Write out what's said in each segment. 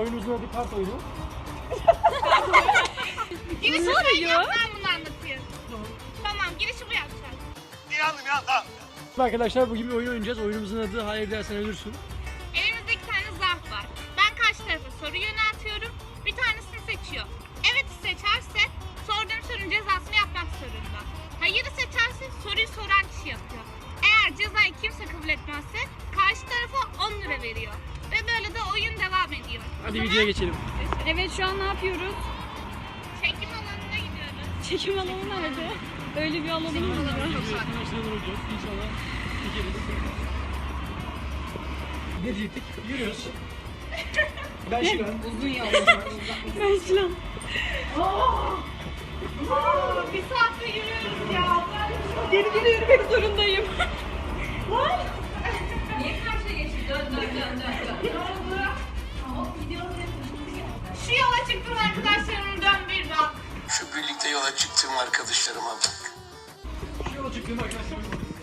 oyunumuzun adı kart oyunu. Girişi sen yap, ben bunu anlatayım. Tamam, girişi bu yapacak. İnandım ya, tamam. Arkadaşlar bugün bir oyun oynayacağız. Oyunumuzun adı hayır dersen ölürsün. Elimizde 2 tane zarf var. Ben karşı tarafa soru yöneltiyorum. Bir tanesini seçiyor. Evet seçerse sorduğum sorunun cezasını yapmak zorunda. Hayırı seçerse soruyu soran kişi yapıyor. Eğer cezayı kimse kabul etmezse karşı tarafa 10 lira veriyor. Ve böyle de oyun devam ediyor. Hadi videoya geçelim. Evet şu an ne yapıyoruz? Çekim alanına gidiyoruz. Çekim alanı nerede? Öyle bir alanımız var. Arkadaşlar olacağız. İnşallah çekeriz. Ne diyecektik? Yürüyoruz. Ben Şilan. Uzun yol. Ben Şilan. Bir saatte yürüyoruz ya. Geri yürümek zorundayım. Niye karşıya geçip dön. Ne oldu? Şu yola çıktım arkadaşlarım, dön bir bak. Şu birlikte yola çıktığım arkadaşlarıma bak. Şu yola çıktığım arkadaşlar.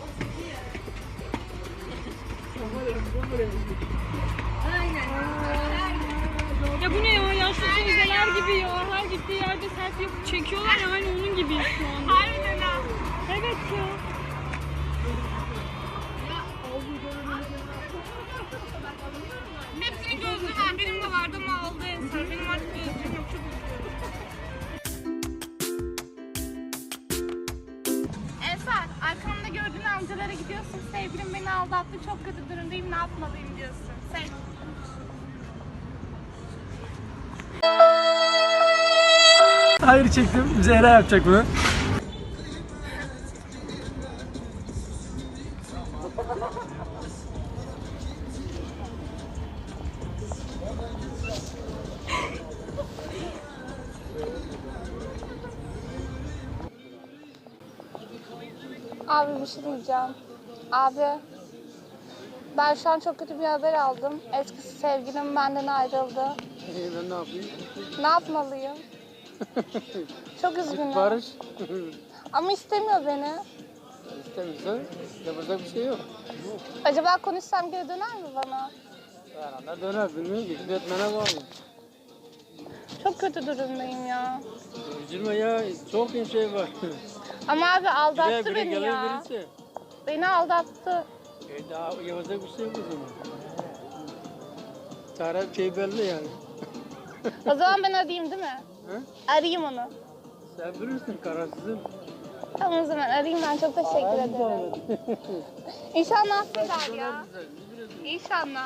Ya bu ne ya? Yaşlı teyzeler gibi ya. Her gittiği yerde selfie yapıp çekiyorlar ya. Aynı onun gibiyiz şu an. Harbiden ha. Evet ya. Hepsinin gözlüğü var. Benim de vardı ama aldı Ensar. Benim artık gözlüğüm yok. Çok üzülüyorum. Ensar, arkamda gördüğün amcalara gidiyorsun. Sevgilim beni aldattı. Çok kötü durumdayım. Ne yapmalıyım diyorsun. Seç. Hayır çektim. Zehra yapacak bunu. Abi bir şey diyeceğim. Abi, ben şu an çok kötü bir haber aldım. Eski sevgilim benden ayrıldı. Ben ne yapayım? Ne yapmalıyım? Çok üzgünüm. Barış. Ama istemiyor beni. İstemiyorsa yapacak bir şey yok. Acaba konuşsam geri döner mi bana? Herhalde döner bilmiyorum ki. Gitmene bağlı. Çok kötü durumdayım ya. Üzülme ya. Çok şey var. Ama abi aldattı Biri beni gelir ya. birisi. Beni aldattı. Daha yapacak bir şey yok o zaman. Taraf şey belli yani. O zaman ben arayayım değil mi? Hı? Arayayım onu. Sen bilirsin kararsızın. Tamam o zaman arayayım ben. Çok teşekkür ederim. İnşallah affeder ya. İnşallah.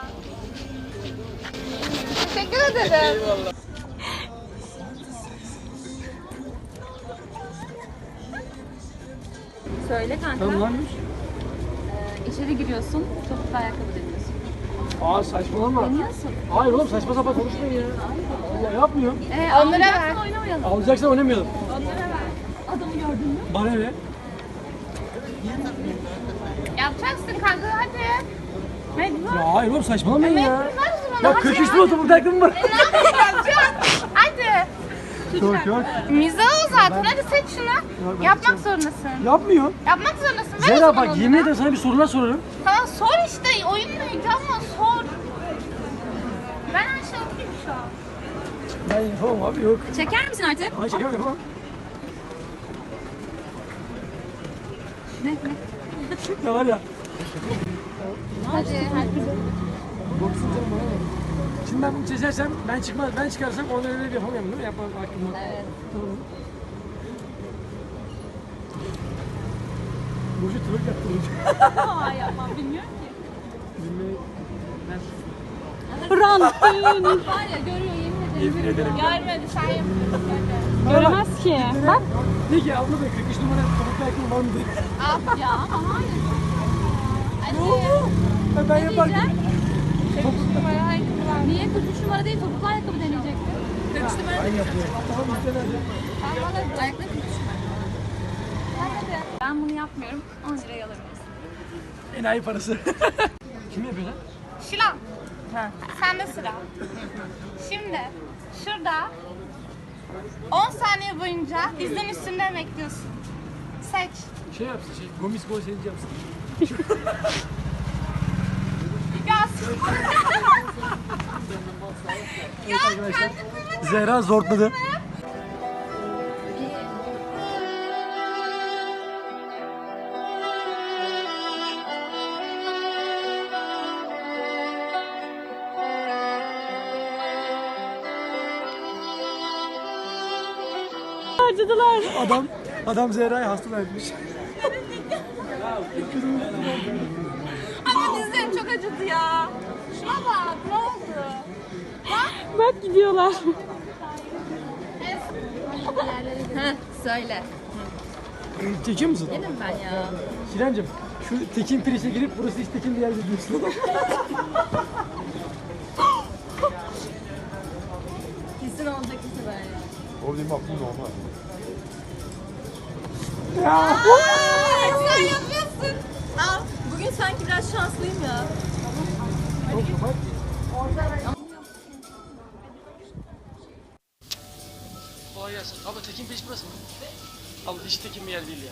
Teşekkür ederim. Eyvallah. Söyle kanka. Tamam lanmış. İçeri giriyorsun. Topuklu ayakkabı deniyorsun. Aa saçmalama. Deniyorsun. Hayır oğlum saçma sapan konuşmayın ya. Allah yapmıyorum. Onlara ver. Oynamayalım. Alacaksan oynamayalım. Adamı gördün mü? Bana ne? Yapacaksın kanka hadi. Ya hayır oğlum saçmalamayın ya. Ver o zaman, Ya hadi köküstü oturup aklım var. Ne yapacaksın? Hadi. Yok yok. Mizah o zaten. Hadi seç şunu. Yapmak zorundasın. Yapmıyorum. Yapmak zorundasın. Ver o Zehra zaman bak onu. yemin ederim sana bir sorular sorarım. Tamam sor işte. Oyun neydi ama sor. Ben her şey okuyayım şu an. Ben yapamam abi yok. Çeker misin artık? Ay şaka yapamam. Ne var ya. Hadi hadi. Boksun canım bana ne? Şimdi ben bunu çizersem, ben çıkarsam onu öyle yapamıyorum değil mi? Yapmam hakkım yok. Evet. Tamam. Burcu tırık yaptı Burcu. Aa yapmam bilmiyorum ki. Bilmeyi... Rantın. Var ya görüyor yemin ederim. Yemin ederim. Görmedi sen yapıyorsun. Hadi. Göremez ki. Bak. De ki abla da 43 numara topuklu ayakkabı var mı diye. Ya ama hayır. Hadi. Ben yaparken. Numara ayakkabı var. Niye 43 numara değil topuklu ayakkabı deneyecektin? 43 numara Ben yapıyorum. Tamam işte nerede? Ben bana ayakları 43 numara. Hadi. Ben bunu yapmıyorum. 10 liraya alırım. Enayi parası. Kim yapıyor lan? Şilan. Sende sıra. Şimdi şurada 10 saniye boyunca dizin üstünde bekliyorsun. Seç. Şey yapsın Gomis gol sevinci yapsın. Ya Evet arkadaşlar. Zehra zortladı. Harcadılar. Adam Zehra'ya hasta vermiş. Ama dizlerim çok acıdı ya. Şuna bak ne oldu? Bak gidiyorlar. Söyle. Çekiyor musun? Dedim ben ya. Şirencim şu Tekin Pirinç'e girip burası hiç Tekin bir yer diyorsun. Kesin olacak kesin böyle. Sen yapıyorsun. Al. Bugün sanki biraz şanslıyım ya. Kolay gelsin. Abla Tekin Pirinç burası mı? Abla hiç Tekin bir yer değil ya.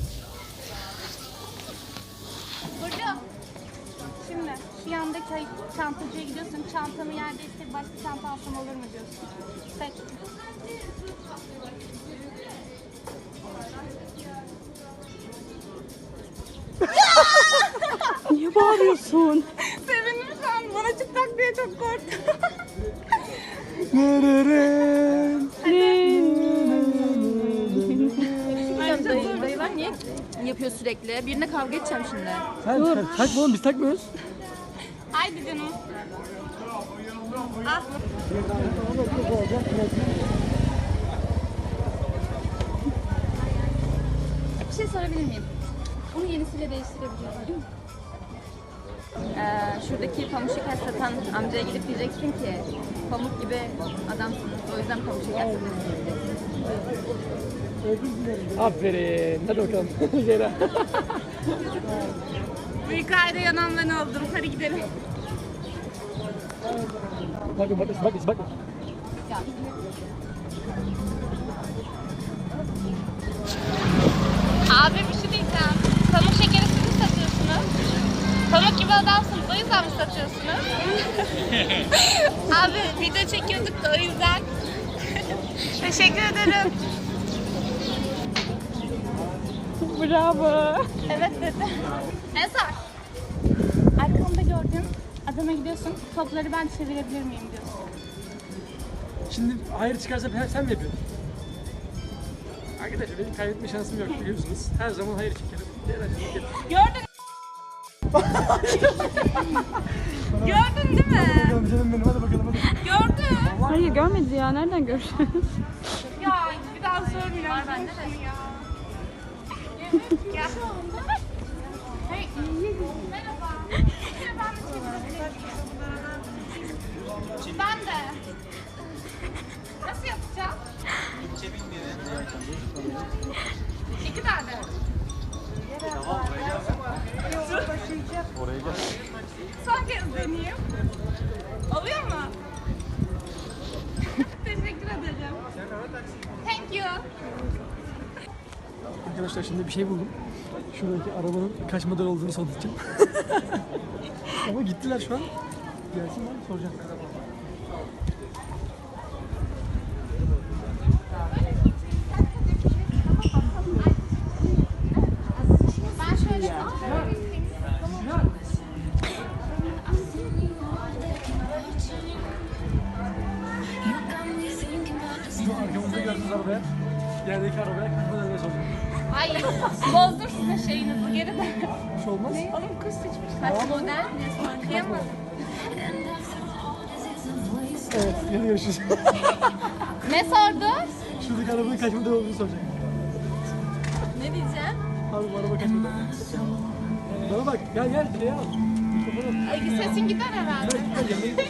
Burcu. Şimdi şu yandaki çantacıya gidiyorsun. Çantamı yerde işte başka çanta alsam olur mu diyorsun. Seç. Niye bağırıyorsun? Sevindim şu an. Bana çıplak diye çok korktum. Dayılar niye yapıyor sürekli? Birine kavga edeceğim şimdi. Sen takma oğlum biz takmıyoruz. Haydi canım. Bir şey sorabilir miyim? Onu yenisiyle değiştirebiliyor muyum? Şuradaki pamuk şeker satan amcaya gidip diyeceksin ki pamuk gibi adamsınız. O yüzden pamuk şeker satıyorsunuz. Aferin. Hadi bakalım Zehra. Bu hikayede yanan ben oldum. Hadi gidelim. Bakın bak. Abi bir şey diyeceğim. Pamuk şekeri siz mi satıyorsunuz? Pamuk gibi adamsınız. O yüzden mi satıyorsunuz? Abi video çekiyorduk da o yüzden. Teşekkür ederim. Bravo. Evet dedi. Eser. Arkamda gördüğün adama gidiyorsun. Topları ben çevirebilir miyim diyorsun. Şimdi hayır çıkarsa sen mi yapıyorsun? Arkadaşlar benim kaybetme şansım yok biliyorsunuz. Her zaman hayır çekerim. Gördün. Gördün değil mi? Bakalım canım benim hadi bakalım hadi. Gördün. Hayır görmedi ya. Nereden göreceğiz? Ya bir daha sormayacağım. Ben de ya. Gel. Hey, merhaba. Ben de. Nasıl yapacağım? İki tane. Oraya gel. Son kez deneyeyim. Oluyor mu? Teşekkür ederim. Thank you. Arkadaşlar şimdi bir şey buldum. Şuradaki arabanın kaç model olduğunu soracağım. Ama gittiler şu an. Gelsinler soracağım. Ben şöyle Şu arkamızda gördüğünüz arabaya, yerdeki arabaya kaç model ne soracağım. Ay bozdum sizin şeyinizi geri de. Bir şey olmaz. Oğlum kız seçmiş. Kaç model? Ne kıyamadım. Evet, yine görüşürüz. Ne sordu? Şuradaki arabanın kaç model olduğunu soracak. Ne diyeceğim? Abi bu araba kaç model? Bana bak, gel şuraya al. Mikrofonu al. Ay sesin gider herhalde. Gel, yanına git.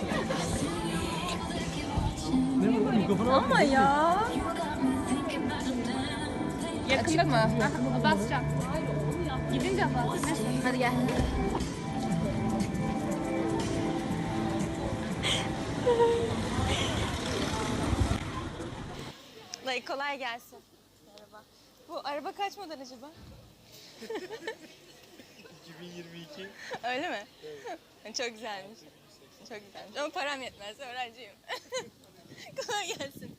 Ne var lan mikrofonu al. Ama ya. Yakında mı? Basacağım. Gidince bas. Hadi gel. Dayı kolay gelsin. Merhaba. Bu araba kaç model acaba? 2022. Öyle mi? Evet. Çok güzelmiş. Çok güzelmiş ama param yetmez, öğrenciyim. Kolay gelsin.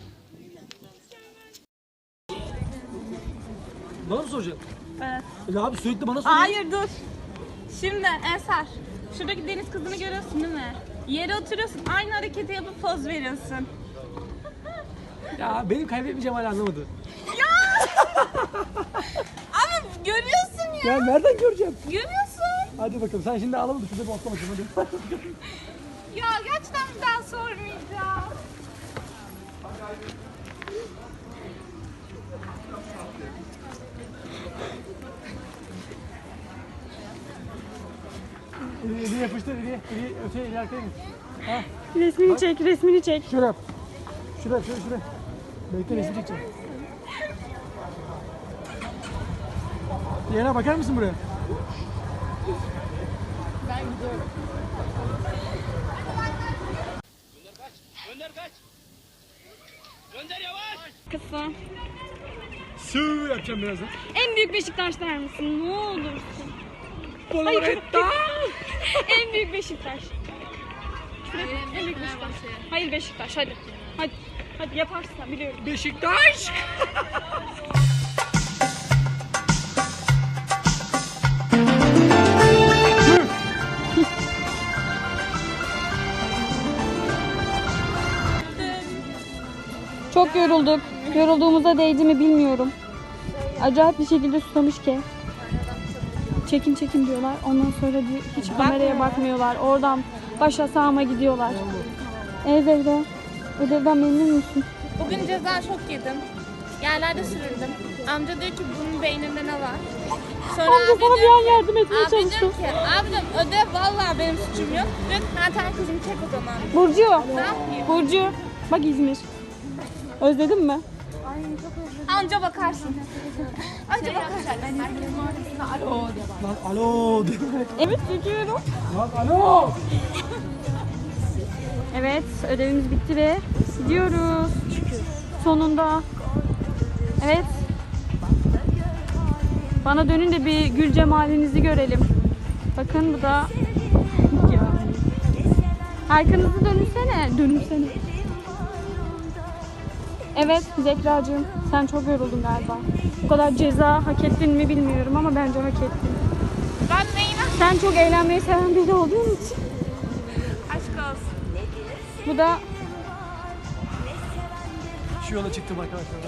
Bana mı soracaksın? Evet. Ya abi sürekli bana soruyor. Hayır dur. Şimdi Ensar, şuradaki deniz kızını görüyorsun değil mi? Yere oturuyorsun, aynı hareketi yapıp poz veriyorsun. Ya benim kaybetmeyeceğim hala anlamadı. Ama görüyorsun ya. Ya nereden göreceğim? Görüyorsun. Hadi bakalım sen şimdi ağlama da şurada bir otla bakayım hadi. Ya gerçekten bir daha sormayacağım. Eli yapıştır, eli öte, eli arkaya git. Ha, Resmini çek, resmini çek. şöyle yap. Şuraya. Bekle resim çekeceğim. Diğerine bakar mısın buraya? Kısa. Sığ yapacağım birazdan. En büyük Beşiktaş der misin? Ne olursun. Poloretta. En büyük Beşiktaş. En büyük Beşiktaş. Hayır Beşiktaş, hadi. Hadi yaparsın sen, biliyorum. Beşiktaş. Çok yorulduk. Yorulduğumuza değdi mi bilmiyorum. Acayip bir şekilde susamış ki. Çekin diyorlar. Ondan sonra diyor, hiç kameraya bakmıyorlar. Oradan başa sağıma gidiyorlar. Zehra, ödevden memnun musun? Bugün ceza çok yedim. Yerlerde süründüm. Amca diyor ki bunun beyninde ne var? Sonra Amca abi sana bir diyor an yardım etmeye Abi diyor çalıştım. ki, abicim ödev vallahi benim suçum yok. Diyor ki, ha tamam kızım çek o zaman. Burcu, Ne yapayım? Burcu. Bak İzmir. Özledin mi? Anca bakarsın. Anca bakarsın. Lan alo. Evet, çekiyorum. Lan alo. Evet, ödevimiz bitti ve gidiyoruz. Sonunda. Evet. Bana dönün de bir gül cemalinizi görelim. Bakın bu da... Ya. Arkanızı dönünsene. Evet Zekracığım, sen çok yoruldun galiba. Bu kadar ceza hak ettin mi bilmiyorum ama bence hak ettin. Ben neyine Sen çok eğlenmeyi seven biri olduğun için. aşk olsun. Bu da Şu yola çıktım arkadaşlar.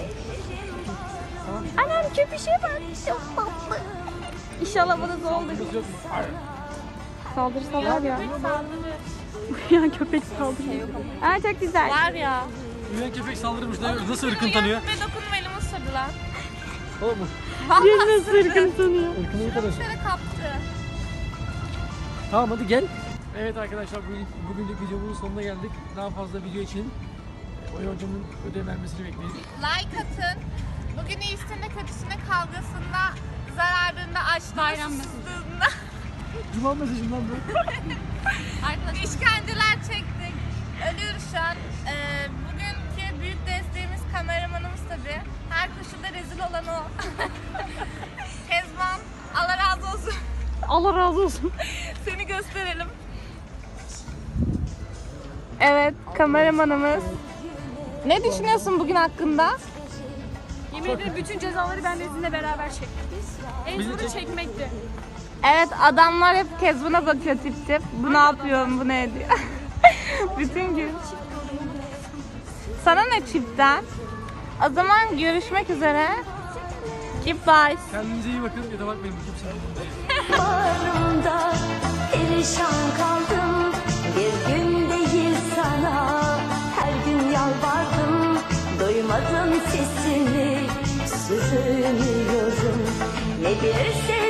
anam köpüşe bak. Çok tatlı. İnşallah bana da oldu. Kız yok mu? Saldırırsa var ya. Uyuyan köpek saldırıyor. Aa çok güzel. Var ya. Uyuyan köpek saldırmış. Nasıl ırkın tanıyor? Ve dokunma elimi ısırdılar. Oğlum bu. Bir nasıl ırkını tanıyor. Irkını iyi tanıyorsun. Şöyle kaptı. Tamam hadi gel. Evet arkadaşlar bugünlük videomuzun sonuna geldik. Daha fazla video için Oya hocamın ödev vermesini bekleyin. Like atın. Bugün iyisinde kötüsünde kavgasında, zararında, açlığında, susuzluğunda Cuma mesajından bu. işkenceler çektik. Ölüyoruz şu an. Bugünkü büyük desteğimiz kameramanımız tabii. Her koşulda rezil olan o. Kezban, Allah razı olsun. Allah razı olsun. Seni gösterelim. Evet, kameramanımız. Ne düşünüyorsun bugün hakkında? Yemin ederim bütün cezaları ben de sizinle beraber çektim. En zoru çekmekti. Evet, adamlar hep Kezban'a bakıyor tip tip. Bu ne yapıyor, bu ne ediyor? Bütün gün. Sana ne çipten? O zaman görüşmek üzere. Goodbye. Kendinize iyi bakın ya da bakmayın kimsenin. Bağrımda perişan kaldım. Bir gün değil sana her gün yalvardım. Duymadım sesini, sürünüyorum. Ne bir